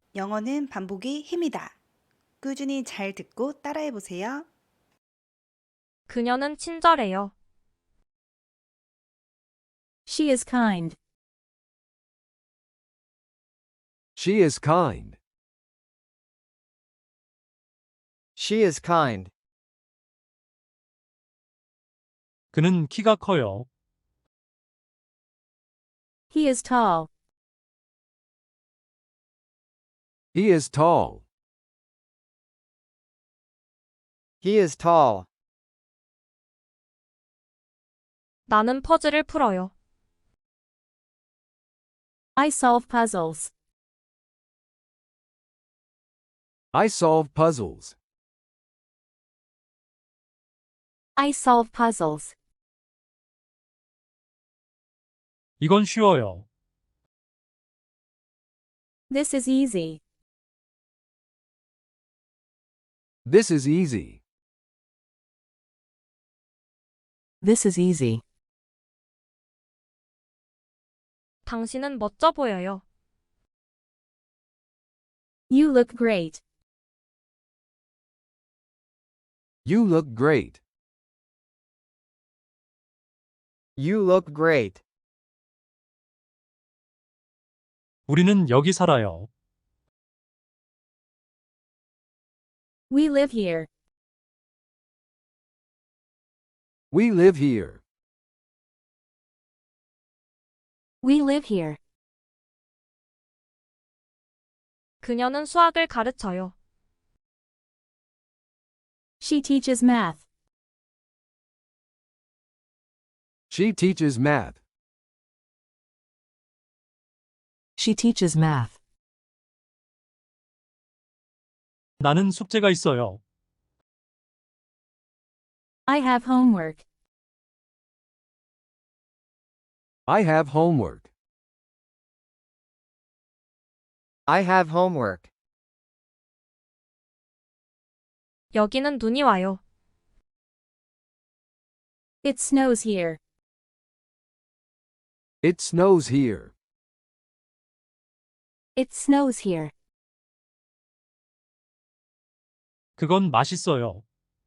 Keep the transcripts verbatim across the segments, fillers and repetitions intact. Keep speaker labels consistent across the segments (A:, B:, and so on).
A: 영어는 반복이 힘이다. 꾸준히 잘 듣고 따라해 보세요.
B: 그녀는 친절해요.
C: She is kind.
D: She is kind.
E: She is kind.
F: 그는 키가 커요.
C: He is tall.
D: He is tall.
E: He is tall.
B: 나는 퍼즐을 풀어요.
C: I solve puzzles.
D: I solve puzzles.
C: I solve puzzles.
F: 이건 쉬워요.
C: This is easy.
D: This is easy.
C: This is easy.
B: 당신은 멋져 보여요.
C: You look great.
D: You look great.
E: You look great.
F: 우리는 여기 살아요.
C: We live here.
D: We live here.
C: We live here.
B: 그녀는 수학을 가르쳐요.
C: She teaches math.
D: She teaches math.
C: She teaches math.
F: 나는 숙제가 있어요.
C: I have homework.
D: I have homework.
E: I have homework.
B: 여기는 눈이 와요.
C: It snows here.
D: It snows here.
C: It snows here.
F: 그건 맛있어요.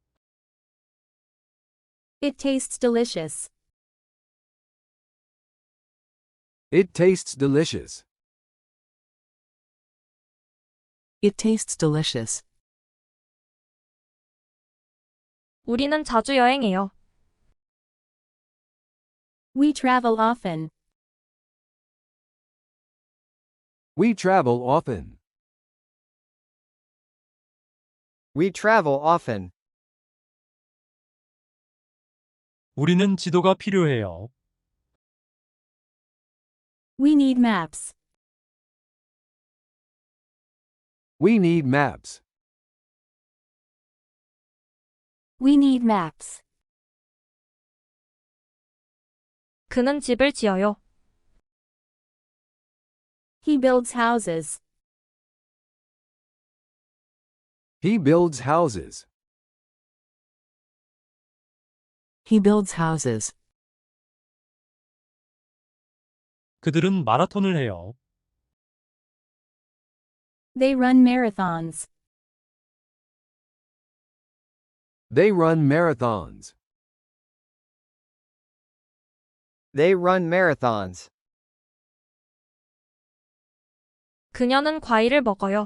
C: It tastes delicious.
D: It tastes delicious.
C: It tastes delicious.
B: 우리는 자주 여행해요.
C: We travel often.
D: We travel often.
E: We travel often.
F: 우리는 지도가 필요해요.
C: We need maps.
D: We need maps.
C: We need maps.
B: 그는 집을 지어요.
C: He builds houses.
D: He builds houses.
C: He builds houses.
F: 그들은 마라톤을 해요.
C: They run marathons.
D: They run marathons.
E: They run marathons.
B: 그녀는 과일을 먹어요.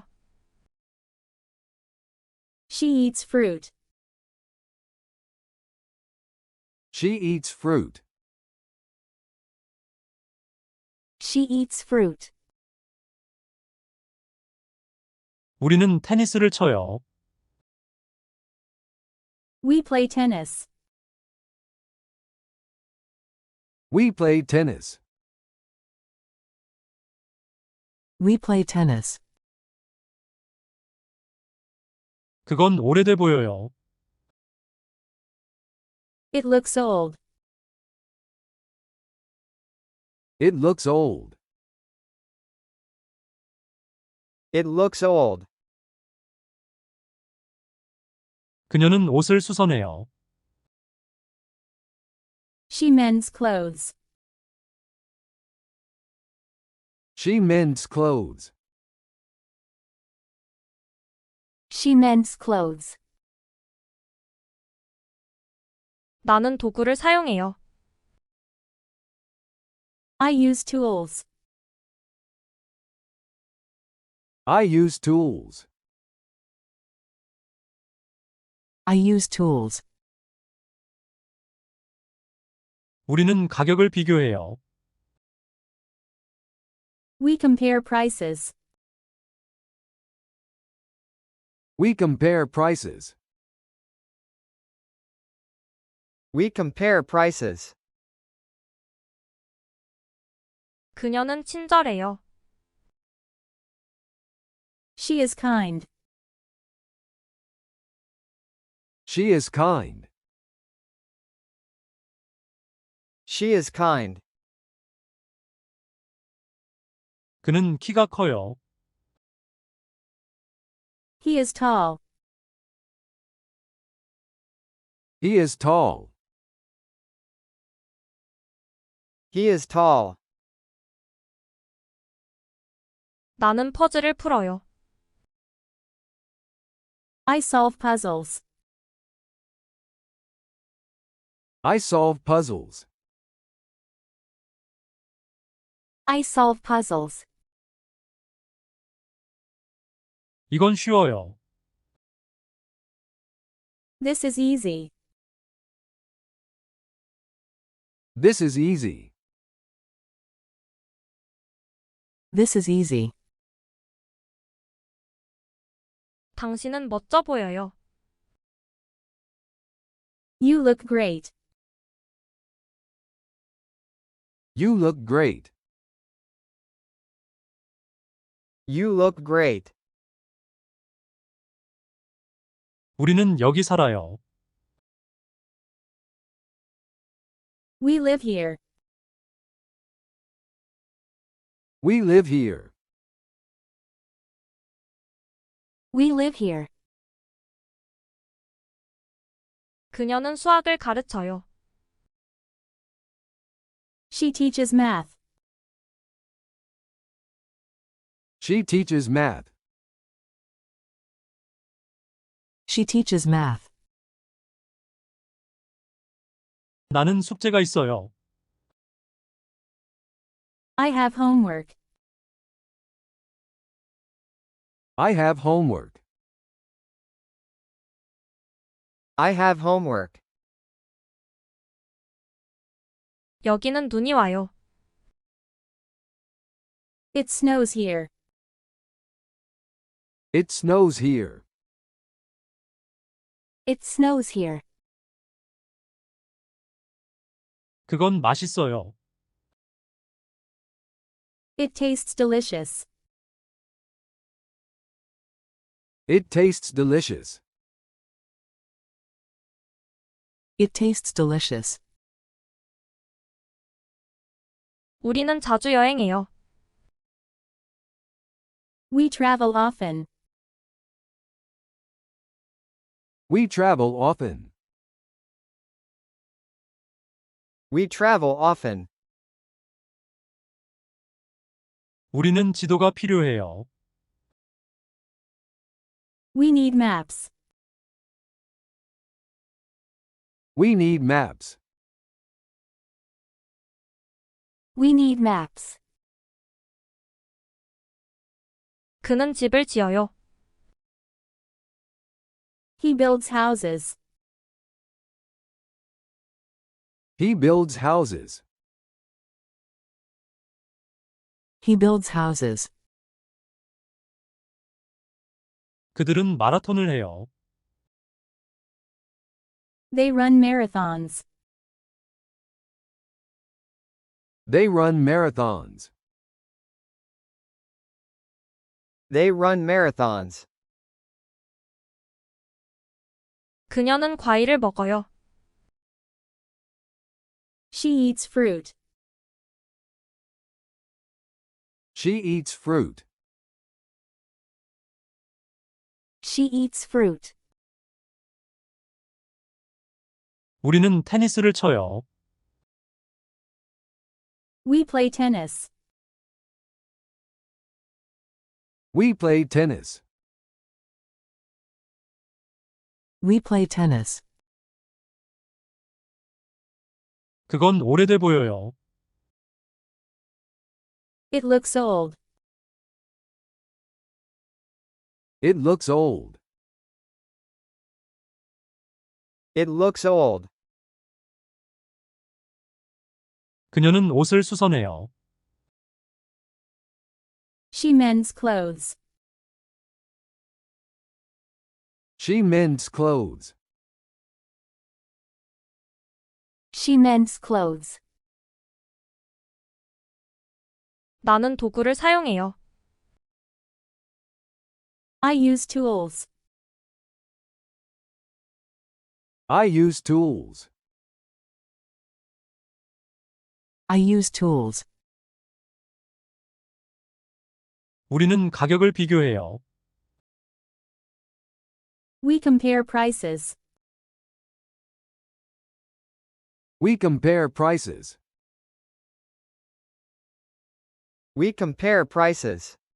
C: She eats fruit.
D: She eats fruit.
C: She eats fruit.
F: 우리는 테니스를 쳐요.
C: We play tennis.
D: We play tennis.
C: We play tennis.
F: 그건 오래돼 보여요.
C: It looks old.
D: It looks old.
E: It looks old.
F: 그녀는 옷을 수선해요.
C: She mends clothes.
D: She mends clothes.
C: She mends clothes.
B: 나는 도구를 사용해요.
C: I use tools.
D: I use tools.
C: I use tools.
F: 우리는 가격을 비교해요.
C: We compare prices.
D: We compare prices.
E: We compare prices.
B: 그녀는 친절해요.
C: She is kind.
D: She is kind.
E: She is kind.
F: 그는 키가 커요.
C: He is tall.
D: He is tall.
E: He is tall.
B: 나는 퍼즐을 풀어요.
C: I solve puzzles.
D: I solve puzzles.
C: I solve puzzles.
F: 이건 쉬워요.
C: This is easy.
D: This is easy.
C: This is easy.
B: 당신은 멋져 보여요.
C: You look great.
D: You look great.
E: You look great.
F: 우리는 여기 살아요.
C: We live here.
D: We live here.
C: We live here.
B: 그녀는 수학을 가르쳐요.
C: She teaches math.
D: She teaches math.
C: She teaches math.
F: 나는 숙제가 있어요.
C: I have homework.
D: I have homework.
E: I have homework.
B: 여기는 눈이 와요.
C: It snows here.
D: It snows here.
C: It snows here.
F: 그건 맛있어요.
C: It tastes delicious.
D: It tastes delicious.
C: It tastes delicious.
B: 우리는 자주 여행해요.
C: We travel often.
D: We travel often.
E: We travel often.
F: 우리는 지도가 필요해요.
C: We need maps.
D: We need maps.
C: We need maps.
B: 그는 집을 지어요.
C: He builds houses.
D: He builds houses.
C: He builds houses.
F: 그들은 마라톤을 해요.
C: They run marathons.
D: They run marathons.
E: They run marathons.
B: 그녀는 과일을 먹어요.
C: She eats fruit.
D: She eats fruit.
C: She eats fruit.
F: 우리는 테니스를 쳐요.
C: We play tennis.
D: We play tennis.
G: We play tennis.
F: 그건 오래돼 보여요.
C: It looks old.
D: It looks old.
E: It looks old.
F: 그녀는 옷을 수선해요.
C: She mends clothes.
D: She mends clothes.
C: She mends clothes.
B: 나는 도구를 사용해요.
C: I use tools.
D: I use tools.
G: I use tools.
F: 우리는 가격을 비교해요.
C: We compare prices.
D: We compare prices.
E: We compare prices.